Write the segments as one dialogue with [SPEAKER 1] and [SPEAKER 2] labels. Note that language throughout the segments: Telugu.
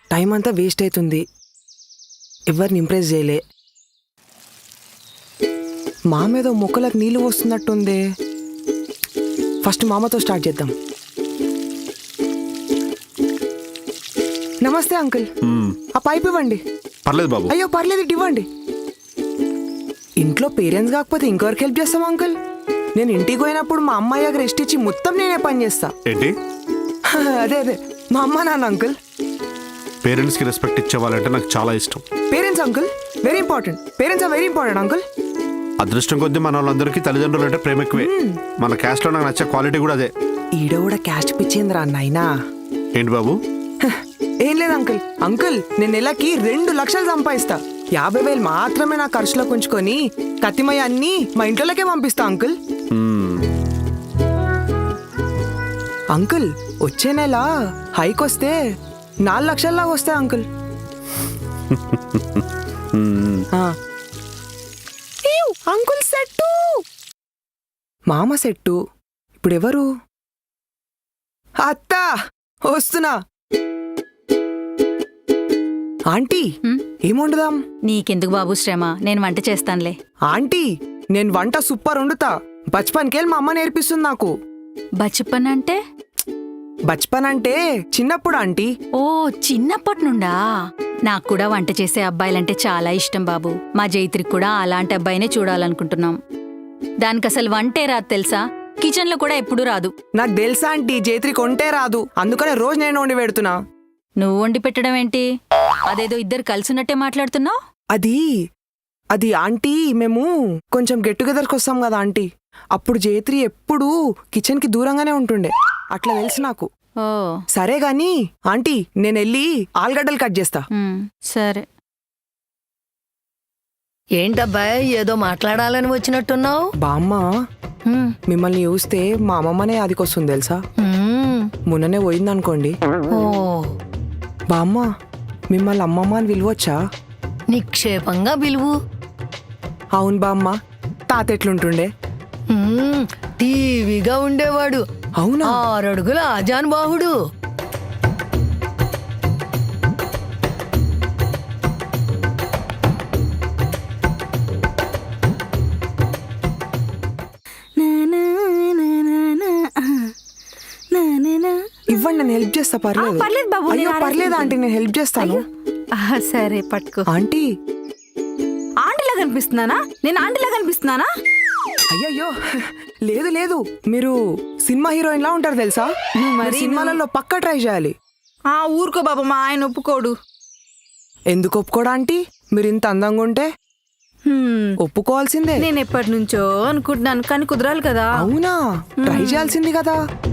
[SPEAKER 1] టైం అంతా వేస్ట్ అవుతుంది. ఎవరిని ఇంప్రెస్ చేయలే. మామేదో మొక్కలకు నీళ్ళు వస్తున్నట్టుంది. ఫస్ట్ మామతో స్టార్ట్ చేద్దాం. నమస్తే అంకుల్. ఆ పైప్ ఇవ్వండి.
[SPEAKER 2] పర్లేదు బాబు.
[SPEAKER 1] అయ్యో పర్లేదు, ఇటు ఇవ్వండి. ఇంట్లో పేరెంట్స్ కాకపోతే ఇంకెవరికి హెల్ప్ చేస్తాం అంకుల్? నేను ఇంటికి పోయినప్పుడు మా అమ్మాయికి రెస్ట్ ఇచ్చి మొత్తం నేనే పని చేస్తా.
[SPEAKER 2] ఏంటి?
[SPEAKER 1] అదే అదే మా అమ్మ నాన్న అంకుల్.
[SPEAKER 2] పేరెంట్స్కి రెస్పెక్ట్ ఇచ్చేవాళ్ళంటే నాకు చాలా ఇష్టం.
[SPEAKER 1] Parents uncle very important. Parents are very important uncle.
[SPEAKER 2] అదృష్టం కొద్దీ మన వాళ్ళందరికీ తల్లిదండ్రులు అంటే ప్రేమ ఎక్కువే. మన క్యాస్ట్ లో నాకు నచ్చే క్వాలిటీ కూడా అదే.
[SPEAKER 1] ఈడ కూడా క్యాస్ట్ పిచ్చేంద్రా నాయనా.
[SPEAKER 2] ఏంటి బాబు?
[SPEAKER 1] ఏం లేదు అంకుల్. అంకుల్ నేను నెలకి 2 లక్షలు సంపాదిస్తా. 50,000 మాత్రమే నా ఖర్చులో ఉంచుకొని కత్తిమయ్య అన్ని మా ఇంట్లోకే పంపిస్తా అంకుల్. అంకుల్ వచ్చే నెల హైక్ వస్తే 4 లక్షల్లాగా వస్తాయి అంకుల్. అంకుల్ సెట్టు, మామ సెట్టు. ఇప్పుడు ఎవరు? అత్తా వస్తున్నా. ఆంటీ ఏం వండుదాం?
[SPEAKER 3] నీకెందుకు బాబు శ్రమ, నేను వంట చేస్తానులే.
[SPEAKER 1] ఆంటీ నేను వంట సూపర్ వండుతా. బచ్పన్కెళ్ళి మా అమ్మ నేర్పిస్తుంది నాకు.
[SPEAKER 3] బచ్పన్ అంటే?
[SPEAKER 1] బచ్పన్ అంటే చిన్నప్పుడు ఆంటీ.
[SPEAKER 3] ఓ చిన్నప్పటి నుండా? నాకు కూడా వంట చేసే అబ్బాయిలంటే చాలా ఇష్టం బాబు. మా జైత్రికి కూడా అలాంటి అబ్బాయినే చూడాలనుకుంటున్నాం. దానికి అసలు వంటే రాదు తెలుసా, కిచెన్ లో కూడా ఎప్పుడూ రాదు.
[SPEAKER 1] నాకు తెలుసా ఆంటీ, జైత్రికి వంటే రాదు, అందుకనే రోజు నేను వండి పెడుతున్నా.
[SPEAKER 3] నువ్వు వండి పెట్టడం ఏంటి? అదేదో ఇద్దరు కలిసినట్టే మాట్లాడుతున్నావు.
[SPEAKER 1] అది ఆంటీ మేము కొంచెం గెట్ టుగెదర్కి వస్తాం కదా ఆంటీ, అప్పుడు జైత్రి ఎప్పుడూ కిచెన్ కి దూరంగానే ఉంటుండే. అట్లా తెలుసు నాకు.
[SPEAKER 3] ఓ
[SPEAKER 1] సరే గాని ఆంటీ నేను వెళ్ళి ఆలుగడ్డలు కట్ చేస్తా.
[SPEAKER 3] సరే.
[SPEAKER 4] ఏంటబ్బాయ్ ఏదో మాట్లాడాలని వచ్చినట్టున్నావు?
[SPEAKER 1] బామ్మ మిమ్మల్ని చూస్తే మా అమ్మమ్మనే అదికొస్తుంది తెలుసా. మొన్ననే పోయిందనుకోండి.
[SPEAKER 4] ఓ
[SPEAKER 1] బామ్మ మిమ్మల్ని అమ్మమ్మ అని పిలవచ్చా?
[SPEAKER 4] నిక్షేపంగా పిలువు.
[SPEAKER 1] అవును బామ్మ. తాత ఎట్లుంటుండే?
[SPEAKER 4] టీవీగా ఉండేవాడు.
[SPEAKER 1] అవునా?
[SPEAKER 4] 6 అడుగుల ఆజానుబాహుడు.
[SPEAKER 1] ఇవ్వండి నేను హెల్ప్ చేస్తా. పర్లేదు.
[SPEAKER 3] పర్లేదు బాబు.
[SPEAKER 1] అయ్యో పర్లేదు ఆంటీ, నేను హెల్ప్ చేస్తాను.
[SPEAKER 3] సరే పట్టుకో.
[SPEAKER 1] ఆంటీ
[SPEAKER 3] ఆంటీలా కనిపిస్తున్నానా? నేను ఆంటీలా కనిపిస్తున్నానా?
[SPEAKER 1] అయ్యయ్యో లేదు లేదు, మీరు సినిమా హీరోయిన్ లా ఉంటారు తెలుసా. మరి సినిమాలలో పక్కా ట్రై చేయాలి.
[SPEAKER 3] ఊరుకో బాబా, మా ఆయన ఒప్పుకోడు.
[SPEAKER 1] ఎందుకు ఒప్పుకోడా ఆంటీ? మీరు ఇంత అందంగా ఉంటే ఒప్పుకోవాల్సిందే.
[SPEAKER 3] నేను ఎప్పటి నుంచో అనుకుంటున్నాను, కానీ కుదరాలి కదా.
[SPEAKER 1] అవునా? ట్రై చేయాల్సింది కదా.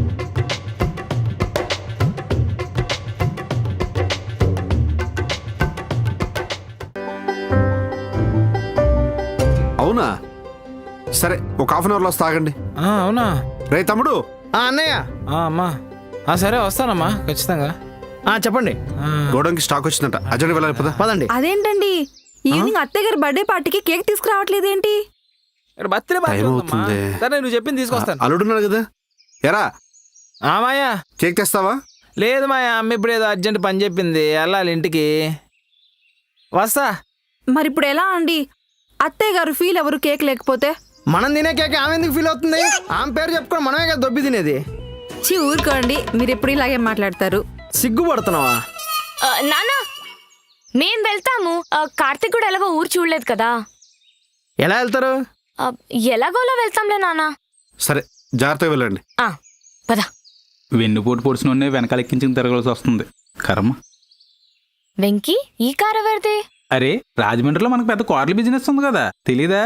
[SPEAKER 2] అవునా? సరే ఒక హాఫ్ అన్ అవర్ లో తాగండి.
[SPEAKER 5] అవునా?
[SPEAKER 2] రే తమ్ముడు.
[SPEAKER 5] అన్నయ్య. అమ్మా సరే వస్తానమ్మా ఖచ్చితంగా. చెప్పండి.
[SPEAKER 2] గోడంకి స్టాక్ వచ్చిందంట, అర్జెంట్ వెళ్ళాలి.
[SPEAKER 5] పదండి.
[SPEAKER 3] అదేంటండి ఈవినింగ్ అత్తయ్య గారి బర్త్డే పార్టీకి కేక్ తీసుకురావట్లేదేంటి?
[SPEAKER 5] బర్త్డే
[SPEAKER 2] టైం అవుతుంది.
[SPEAKER 5] సరే నువ్వు చెప్పింది తీసుకొస్తాను.
[SPEAKER 2] అల్లుడున్నాడు కదా. ఎరా
[SPEAKER 5] మాయా
[SPEAKER 2] కేక్ తెస్తావా?
[SPEAKER 5] లేదు మాయా, అమ్మ ఇప్పుడు ఏదో అర్జెంట్ పని చెప్పింది, వెళ్ళాలి ఇంటికి. వస్తా.
[SPEAKER 3] మరి ఇప్పుడు ఎలా అండి? అత్తయ్య గారు ఫీల్ ఎవరు కేక్ లేకపోతే?
[SPEAKER 5] మనం తినే కేక్ ఆమె ఎందుకు ఫీల్ అవుతుంది? ఆమె పేరు చెప్పుకొని మనమే కదా దొబ్బి తినేది.
[SPEAKER 3] ఊరుకోండి, మీరు ఎప్పుడు ఇలాగే మాట్లాడతారు.
[SPEAKER 5] సిగ్గుపడుతున్నావా?
[SPEAKER 6] నానా మేం వెళ్తాము. కార్తీక్ కూడా ఎలాగో ఊరు చూడలేదు కదా.
[SPEAKER 5] ఎలా వెళ్తారు?
[SPEAKER 6] ఎలాగోలా వెళ్తాంలే నానా.
[SPEAKER 2] సరే జాగ్రత్తగా వెళ్ళండి.
[SPEAKER 6] పద.
[SPEAKER 7] వెన్నుపోటు పొడిచిన వెనకాల ఎక్కించుకుని తిరగాల్సి వస్తుంది. కర్మ.
[SPEAKER 6] వెంకీ ఈ కార్ ఎవరిది?
[SPEAKER 7] అరే రాజమండ్రిలో మనకు పెద్ద కార్ల బిజినెస్ ఉంది కదా, తెలీదా?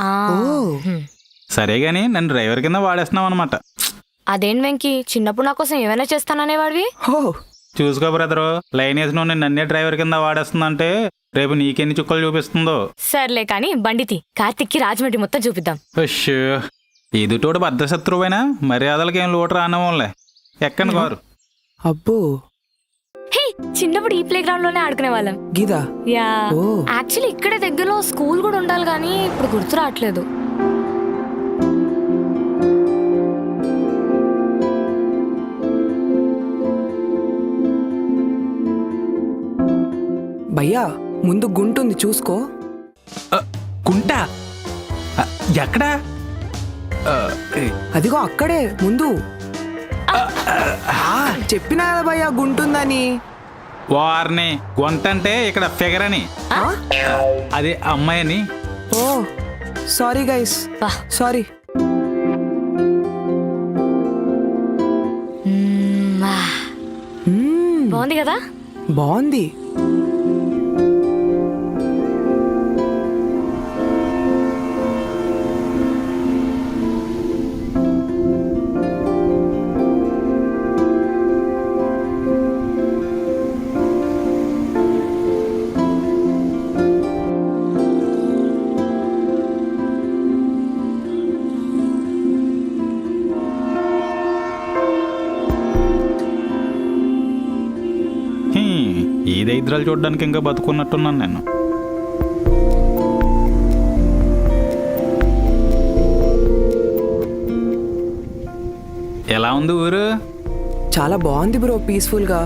[SPEAKER 7] సరే గాని నన్ను డ్రైవర్ కింద వాడేస్తున్నావు అనమాట.
[SPEAKER 6] అదేం వెంకీ, చిన్నప్పుడు నా కోసం ఏమైనా చేస్తాననేవాడివి.
[SPEAKER 7] చూసుకో బ్రదరు, లైన్ వేసిన నన్నే డ్రైవర్ కింద వాడేస్తుందంటే రేపు నీకెన్ని చుక్కలు చూపిస్తుందో.
[SPEAKER 6] సర్లే కానీ బండితి, కార్తిక్కి రాజమండ్రి మొత్తం చూపిద్దాం.
[SPEAKER 7] ఎదుటోడు భద్రశత్రువైనా మర్యాదలకేం లోటు రానివ్వంలే. ఎక్కని కారు.
[SPEAKER 1] అబ్బో
[SPEAKER 6] హే, చిన్నప్పుడు ఈ ప్లే గ్రౌండ్ లోనే ఆడుకునే వాళ్ళం.
[SPEAKER 1] గీదా?
[SPEAKER 6] యా, యాక్చువల్లీ ఇక్కడ దగ్గరలో స్కూల్ కూడా ఉండాలి కానీ ఇప్పుడు గుర్తు రావట్లేదు.
[SPEAKER 1] భయ్యా ముందు గుంటుంది చూసుకో.
[SPEAKER 7] కుంట ఎక్కడా?
[SPEAKER 1] అదిగో అక్కడే ముందు. చెప్పినా కదా భయ్యా గుంటుందని.
[SPEAKER 7] వారిని గొంతంటే ఇక్కడ ఫిగర్ అని, అదే అమ్మాయి అని.
[SPEAKER 1] Oh sorry guys, sorry.
[SPEAKER 6] బాగుంది కదా?
[SPEAKER 1] బాగుంది.
[SPEAKER 7] ఈ దరిద్రాలు చూడడానికి ఇంకా బతుకున్నట్టున్నాను నేను. ఎలా ఉంది ఊరు?
[SPEAKER 1] చాలా బాగుంది బ్రో, పీస్ఫుల్ గా.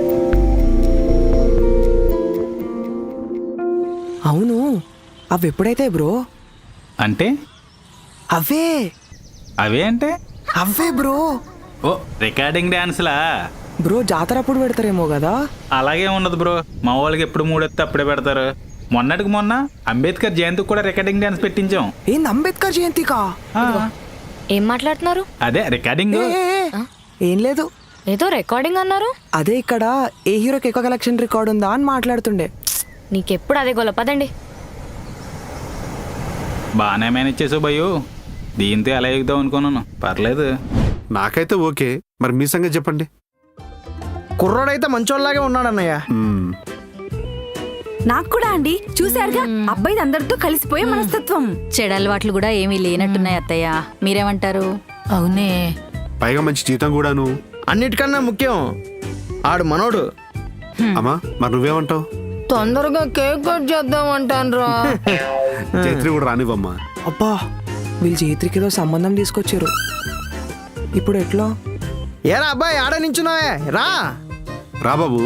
[SPEAKER 1] అవును, అవి ఎప్పుడైతే బ్రో?
[SPEAKER 7] అంటే
[SPEAKER 1] అవే
[SPEAKER 7] అవే అంటే
[SPEAKER 1] అవే బ్రో.
[SPEAKER 7] ఓ రికార్డింగ్ డాన్స్లా
[SPEAKER 1] బ్రో జాతర అప్పుడు పెడతారేమో కదా.
[SPEAKER 7] అలాగే ఉండదు బ్రో, మా వాళ్ళకి ఎప్పుడు మూడెత్తే అప్పుడే పెడతారు. మొన్నటికి మొన్న అంబేద్కర్ జయంతికి కూడా రికార్డింగ్ డాన్స్ పెట్టించాం.
[SPEAKER 1] ఏంది అంబేద్కర్ జయంతికా?
[SPEAKER 7] ఆ,
[SPEAKER 6] ఏం మాట్లాడుతున్నారు?
[SPEAKER 7] అదే రికార్డింగ్.
[SPEAKER 1] ఏం లేదు,
[SPEAKER 6] ఏదో రికార్డింగ్ అన్నారు.
[SPEAKER 1] అదే ఇక్కడ ఏ హీరోకి ఎక్కువ కలెక్షన్ రికార్డ్ ఉందా అని మాట్లాడుతుండే.
[SPEAKER 6] నీకెప్పుడు అదే గొల్ల, పదండి.
[SPEAKER 7] బాగానే మేనేజ్ చేసావు భయ్యు, దీంతో ఎలా ఎగుదాం అనుకున్నాను. పర్లేదు.
[SPEAKER 2] నాకైతే ఓకే, మరి మీ సంగతి చెప్పండి.
[SPEAKER 5] కుర్రోడైతే మంచోళ్ళలాగే ఉన్నాడన్నయ్య.
[SPEAKER 8] నాకు కూడా అండి, చూశారుగా అబ్బాయి అందరితో కలిసిపోయే మనస్తత్వం.
[SPEAKER 3] చెడలవాట్లు కూడా ఏమీ లేనట్టున్నాయి అత్తయ్య, మీరేమంటారు?
[SPEAKER 4] అవునే.
[SPEAKER 2] పైగా మంచి జీతం కూడాను.
[SPEAKER 5] అన్నిటికన్నా ముఖ్యం ఆడు మనోడు.
[SPEAKER 2] అమ్మా మరి నువ్వేమంటావు?
[SPEAKER 4] తొందరగా కేక్ కట్ చేద్దాం అంటాన్రా.
[SPEAKER 2] చైత్రి కూడా రానివ్వమ్మా.
[SPEAKER 1] అబ్బా వీళ్ళు చేతికి ఏదో సంబంధం తీసుకొచ్చారు. ఇప్పుడు ఎట్లా?
[SPEAKER 5] ఏరా అబ్బాయి ఆడ నించున్నావే, రా.
[SPEAKER 2] రా బాబు.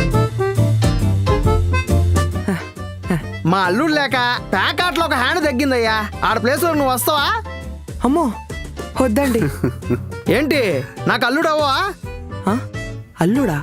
[SPEAKER 5] మా అల్లుడు లేక ప్యాకాట్లో ఒక హ్యాండ్ తగ్గిందయ్యా. ఆడ ప్లేస్ లో నువ్వు వస్తావా?
[SPEAKER 1] అమ్మో వద్దండి.
[SPEAKER 5] ఏంటి నాకు అల్లుడు అవ్వా?
[SPEAKER 1] ఆ? అల్లుడా?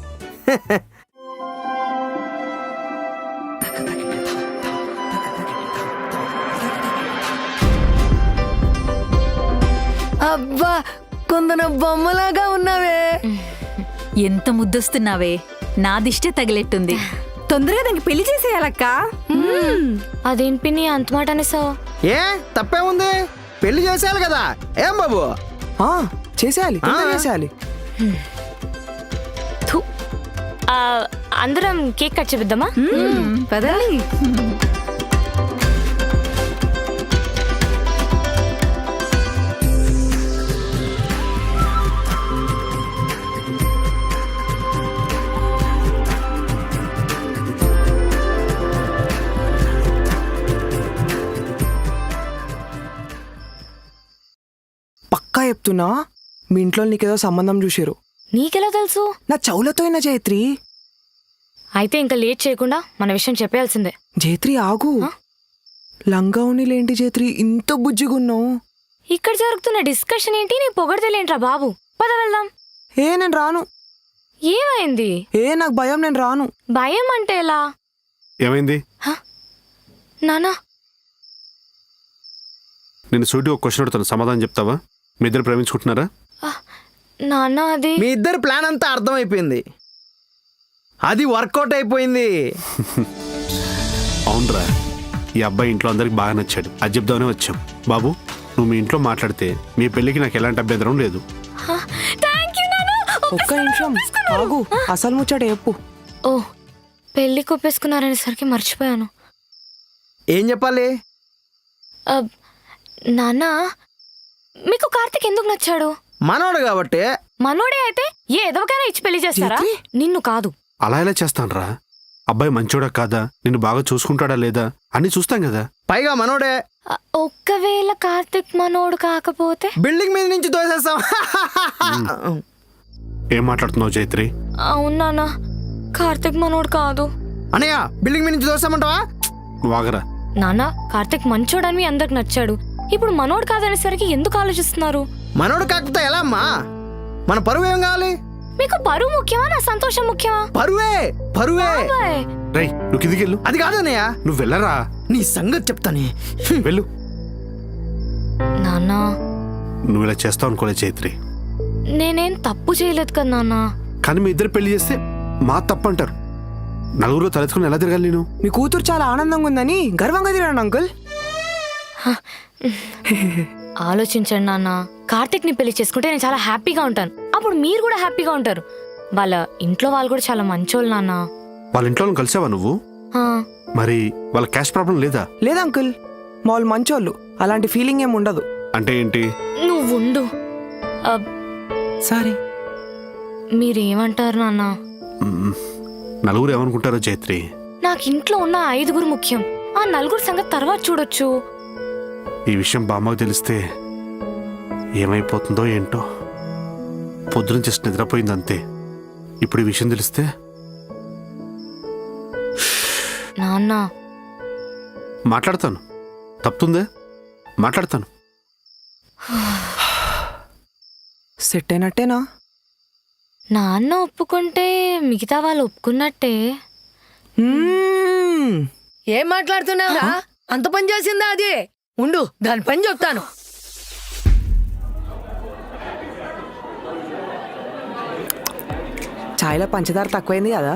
[SPEAKER 4] అబ్బా కొందన బొమ్మలాగా ఉన్నావే.
[SPEAKER 3] ఎంత ముద్దొస్తున్నావే, నా దిష్టే తగిలెట్టుంది.
[SPEAKER 8] తొందరగా దానికి పెళ్లి చేసేయాలక్క.
[SPEAKER 6] అదేం పిన్ని అంత మాట అనేసావు?
[SPEAKER 5] ఏ తప్పేముంది, పెళ్లి చేసేయాలి కదా. ఏం బాబు?
[SPEAKER 1] ఆ, చేసేయాలి, తొందరగా చేసేయాలి.
[SPEAKER 6] థు. అందరం కేక్ కట్ చేద్దామా?
[SPEAKER 8] పదండి.
[SPEAKER 1] పక్కా చెప్తున్నా, మీ ఇంట్లో నీకేదో సంబంధం చూసారు.
[SPEAKER 6] నీకెలా తెలుసు?
[SPEAKER 1] నా చెవులతో అయినా జయత్రి.
[SPEAKER 6] అయితే ఇంకా లేట్ చేయకుండా మన విషయం చెప్పేయాల్సిందే.
[SPEAKER 1] జయత్రి ఆగు. లంగా లేంటి జయత్రి, ఇంత బుజ్జిగున్నావు.
[SPEAKER 6] ఇక్కడ జరుగుతున్న డిస్కషన్ ఏంటి, నీ పొగడతలేంట్రా బాబు. పద వెళ్దాం.
[SPEAKER 1] ఏ నేను రాను.
[SPEAKER 6] ఏమైంది?
[SPEAKER 1] ఏ నాకు భయం, నేను రాను.
[SPEAKER 6] భయం అంటే ఎలా?
[SPEAKER 2] ఏమైంది?
[SPEAKER 6] నానా
[SPEAKER 2] నేను సూటిగా ఒక క్వశ్చన్ అడుగుతాను, సమాధానం చెప్తావా? మీ ఇద్దరు ప్రేమించుకుంటున్నారా?
[SPEAKER 6] నాన్న అది
[SPEAKER 5] మీ ఇద్దరు ప్లాన్ అంతా అర్థమైపోయింది, అది వర్కౌట్ అయిపోయింది.
[SPEAKER 2] అవునరా, ఈ అబ్బాయి ఇంట్లో అందరికి బాగా నచ్చాడు, అది చెప్దామనే వచ్చాం. బాబు నువ్వు మీ ఇంట్లో మాట్లాడితే మీ పెళ్ళికి నాకు ఎలాంటి అభ్యంతరం లేదు.
[SPEAKER 1] ఒక్క నిమిషం ఆగు, అసలు ముచ్చట చెప్పు.
[SPEAKER 6] ఓ పెళ్లి కొప్పేసుకున్నారనేసరికి మర్చిపోయాను.
[SPEAKER 5] ఏం చెప్పాలి?
[SPEAKER 6] నాన్న మీకు కార్తిక్ ఎందుకు నచ్చాడు?
[SPEAKER 5] మనోడు కాబట్టి.
[SPEAKER 6] మనోడే అయితే ఏ ఎదవకైనా ఇచ్చి పెళ్లి చేస్తారా? నిన్ను కాదు.
[SPEAKER 2] అలా ఎలా చేస్తానరా? అబ్బాయి మంచోడా కాదా, నిన్ను బాగా చూసుకుంటాడా లేదా అన్ని చూస్తాం కదా.
[SPEAKER 5] పైగా మనోడే.
[SPEAKER 6] ఒక్కవేళ కార్తిక్ మనోడు కాకపోతే
[SPEAKER 5] బిల్డింగ్ మీద నుంచి తోసేస్తాం.
[SPEAKER 2] ఏం మాట్లాడుతున్నావు జైత్రి?
[SPEAKER 6] అవును నాన్న, కార్తిక్ మనోడు కాదు.
[SPEAKER 9] అన్నయ్య బిల్డింగ్ మీద నుంచి దోస్తామంటావా?
[SPEAKER 2] నువ్వు ఆగరా.
[SPEAKER 6] నాన్న కార్తిక్ మంచోడని అందరికి నచ్చాడు. ఇప్పుడు మనోడు కాదనేసరికి ఎందుకు ఆలోచిస్తున్నారు?
[SPEAKER 9] మనోడు కాకపోతే ఎలా అమ్మా? మన పరువు ఏం కావాలి?
[SPEAKER 6] మీకు పరువు ముఖ్యమా నా సంతోషం ముఖ్యమా?
[SPEAKER 9] పరువే పరువే.
[SPEAKER 6] బాయ్.
[SPEAKER 2] రై నువ్వు కిందికి వెళ్ళు.
[SPEAKER 9] అది కాదు అన్నయ్య,
[SPEAKER 2] నువ్వు వెళ్ళరా.
[SPEAKER 9] నీ సంగతి చెప్తానే.
[SPEAKER 2] వెళ్ళు.
[SPEAKER 6] నాన్న
[SPEAKER 2] నువ్వు ఇలా చేస్తావు అనుకోలే చైత్రి.
[SPEAKER 6] నేనేం తప్పు చేయలేదు కదా నాన్న.
[SPEAKER 2] కానీ మీ ఇద్దరు పెళ్లి చేస్తే మా తప్పు అంటారు. నలుగురు తలెత్తుకుని ఎలా తిరగాలి నేను?
[SPEAKER 1] మీ కూతురు చాలా ఆనందంగా ఉందని గర్వంగా తిరగండి అంకుల్.
[SPEAKER 6] ఆలోచించండి నాన్న. కార్తిక్ ని పెళ్లి చేసుకుంటే నేను చాలా హ్యాపీగా ఉంటాను. అప్పుడు మీరు కూడా హ్యాపీగా ఉంటారు. వాళ్ళ ఇంట్లో వాళ్ళు కూడా చాలా మంచోళ్ళు నాన్న.
[SPEAKER 2] వాళ్ళ ఇంట్లో వాళ్ళని కలిసావా నువ్వు?
[SPEAKER 6] ఆ,
[SPEAKER 2] మరి వాళ్ళ క్యాష్ ప్రాబ్లం లేదా?
[SPEAKER 1] లేదా అంకుల్, మా వాళ్ళు మంచోళ్ళు, అలాంటి ఫీలింగ్ ఏం ఉండదు.
[SPEAKER 2] అంటే ఏంటి?
[SPEAKER 6] నువ్వు ఉండు.
[SPEAKER 1] సరే.
[SPEAKER 6] మీరేమంటారు నాన్న?
[SPEAKER 2] మ్మ్. నలుగురు ఏమనుకుంటారో చైత్రి.
[SPEAKER 6] నాకు ఇంట్లో ఉన్న 5 ముఖ్యం. ఆ 4 సంగతి తర్వాత చూడొచ్చు.
[SPEAKER 2] ఈ విషయం బామ్మకు తెలిస్తే ఏమైపోతుందో ఏంటో. పొద్దున జస్ట్ నిద్రపోయింది అంతే. ఇప్పుడు ఈ విషయం తెలిస్తే
[SPEAKER 6] నాన్న
[SPEAKER 2] మాట్లాడతాను. తప్పుతుందే మాట్లాడతాను.
[SPEAKER 1] సెట్ అయినట్టేనా?
[SPEAKER 6] నాన్న ఒప్పుకుంటే మిగతా వాళ్ళు ఒప్పుకున్నట్టే.
[SPEAKER 4] ఏం మాట్లాడుతున్నావురా? అంత పని చేసిందా అది? ఉండు, దాని పని చెప్తాను.
[SPEAKER 1] చాయ్లో పంచదార తక్కువైంది కదా.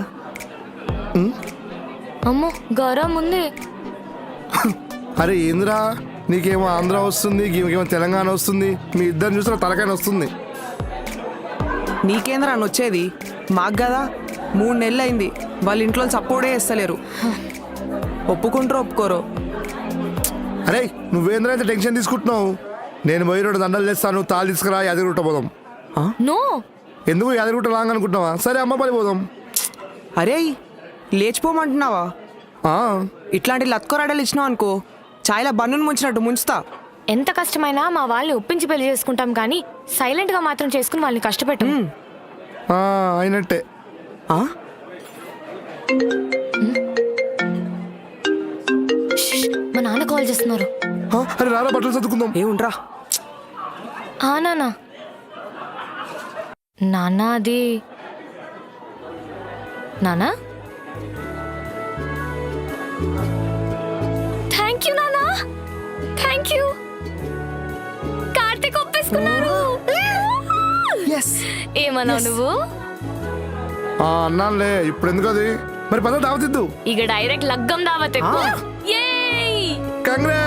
[SPEAKER 6] అమ్మో గౌరవం ఉంది.
[SPEAKER 9] అరే ఏందిరా, నీకేమో ఆంధ్ర వస్తుంది, నీకేమో తెలంగాణ వస్తుంది. మీ ఇద్దరు చూసిన తలకాయ వస్తుంది.
[SPEAKER 1] నీకేంద్రా అని వచ్చేది? మాకు కదా 3 నెలలు అయింది. వాళ్ళ ఇంట్లో సపోర్టే చేస్తలేరు. ఒప్పుకుంటారో ఒప్పుకోరో.
[SPEAKER 9] అరే నువ్వేంద్ర ఇంత టెన్షన్ తీసుకుంటున్నావు? నేను పోయి 2 దండలు చేస్తాను, తాళి తీసుకురా, యాదగిరిగుట్ట పోదాం.
[SPEAKER 6] నో,
[SPEAKER 9] ఎందుకు యాదగిరిగుట్ట లాంగ్ అనుకుంటున్నావా? సరే అమ్మపల్లి పోదాం.
[SPEAKER 1] అరే లేచిపోమంటున్నావా?
[SPEAKER 9] ఆ,
[SPEAKER 1] ఇట్లాంటి లత్కోరాడలు ఇచ్చినావు అనుకో, చాయ్లో బన్నును ముంచినట్టు ముంచుతా.
[SPEAKER 6] ఎంత కష్టమైనా మా వాళ్ళని ఒప్పించి పెళ్లి చేసుకుంటాం కానీ సైలెంట్ గా మాత్రం చేసుకుని వాళ్ళని కష్టపెట్టాం.
[SPEAKER 9] ఆ, అయినట్టే.
[SPEAKER 1] ఆ?
[SPEAKER 6] మా నాన్న కాల్ చేస్తున్నారు.
[SPEAKER 9] ఆ, అరే రారా బట్టలు చదువుకుందాం.
[SPEAKER 1] ఏముండ్రా.
[SPEAKER 6] ఆ నాన్న. నాన్న అది నాన్న. థ్యాంక్ యూ నాన్న, థ్యాంక్ యూ. కార్తీక్ ఒప్పేసుకున్నారు. ఏమన్నావు నువ్వు?
[SPEAKER 9] ఆ, అన్నానులే. ఇప్పుడు ఎందుకు అది? మరి పద దావతిద్దు.
[SPEAKER 6] ఇక డైరెక్ట్ లగ్గం దావత్.
[SPEAKER 9] కంగ్రాట్స్.